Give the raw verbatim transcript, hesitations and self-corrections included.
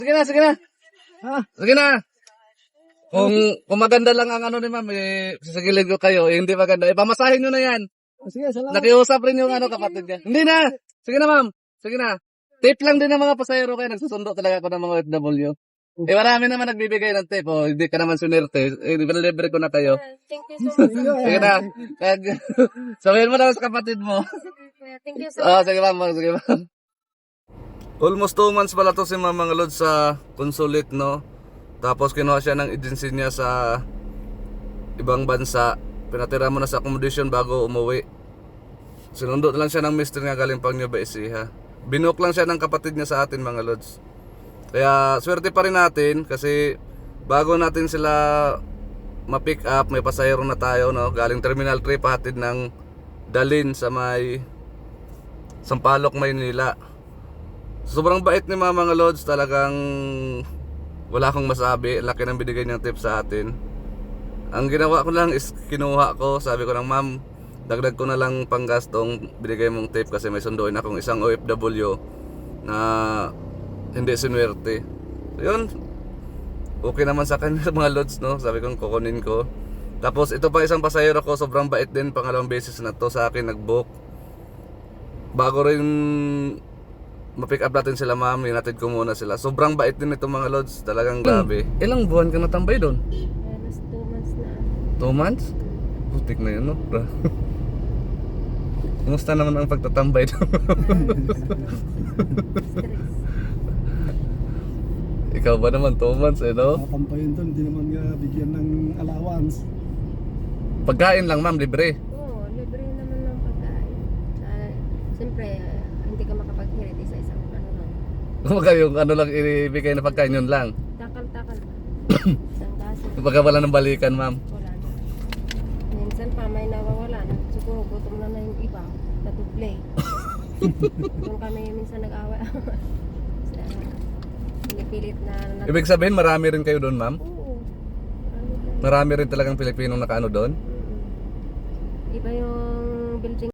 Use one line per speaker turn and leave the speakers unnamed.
Sige na, sige na.
Ha?
Sige na. Kung, kung maganda lang ang ano ni ma'am, eh, sasagilid ko kayo. Eh, hindi maganda. Eh, pamasahin nyo na yan.
Sige, salamat.
Nakiusap rin yung ano kapatid niya. Hindi na. Sige na ma'am. Sige na. Tip lang din ng mga pasahero kayo. Nagsusundo talaga ako ng mga O F W. Eh, marami naman nagbibigay ng tip. Oh, hindi ka naman sunerte. Eh, libre ko na kayo.
Thank you so much.
Sige na. Kag- Sabihin mo na sa kapatid mo.
Thank you so
Oh,
much.
sige ma'am. Sige ma'am. Almost two months pala to si Ma'am mga Lods sa consulate, no? Tapos kinuha siya ng agency niya sa ibang bansa. Pinatira mo na sa accommodation bago umuwi. Sinundo lang siya ng mister niya galing pang Nueva Ecija. Binook lang siya ng kapatid niya sa atin mga Lods. Kaya swerte pa rin natin kasi bago natin sila ma-pick up, may pasahero na tayo, no? Galing Terminal three pahatid ng Dalin sa may Sampaloc, Maynila. Sobrang bait ni Mama mga Lods, talagang wala akong masabi. Laki ng binigay niyang tip sa atin. Ang ginawa ko lang is kinuha ko, sabi ko lang, ma'am, dagdag ko na lang panggastong binigay mong tip kasi may sunduin akong isang O F W na hindi sinuwerte. So yun, okay naman sa akin mga Lods, no? Sabi ko kukunin ko. Tapos ito pa isang pasahero ko, sobrang bait din, pangalawang beses na to sa akin nag-book. Bago rin ma-pick up natin sila ma'am, hinatid ko muna sila. Sobrang bait din ito mga Lods, talagang grabe. Ilang buwan ka natambay doon?
Alas two months na.
Two months? Putik na yun, no? Kumusta naman ang pagtatambay doon? Ikaw ba naman, two months eh, no?
Nakampayin doon, hindi naman nga bigyan ng allowance.
Pagkain lang ma'am, libre.
Oo, libre naman ng pagkain. Uh, Siyempre, ah, hindi ka makapag-hirit isa isang ano lang.
Kumbaga yung ano lang ibigay na pagkain yun lang.
Takal-takal lang. Isang baso.
Kumbaga wala ng balikan ma'am.
Wala na. Minsan pa may nawawala na. Siguro gutom na na yung iba. Natuplay. Doon kami minsan nag-away. Sa pinipilit na, na
Ibig sabihin marami rin kayo doon ma'am?
Oo. Ano ba?
Marami rin talagang Pilipinong nakaano doon?
Mm-mm. Iba yung building.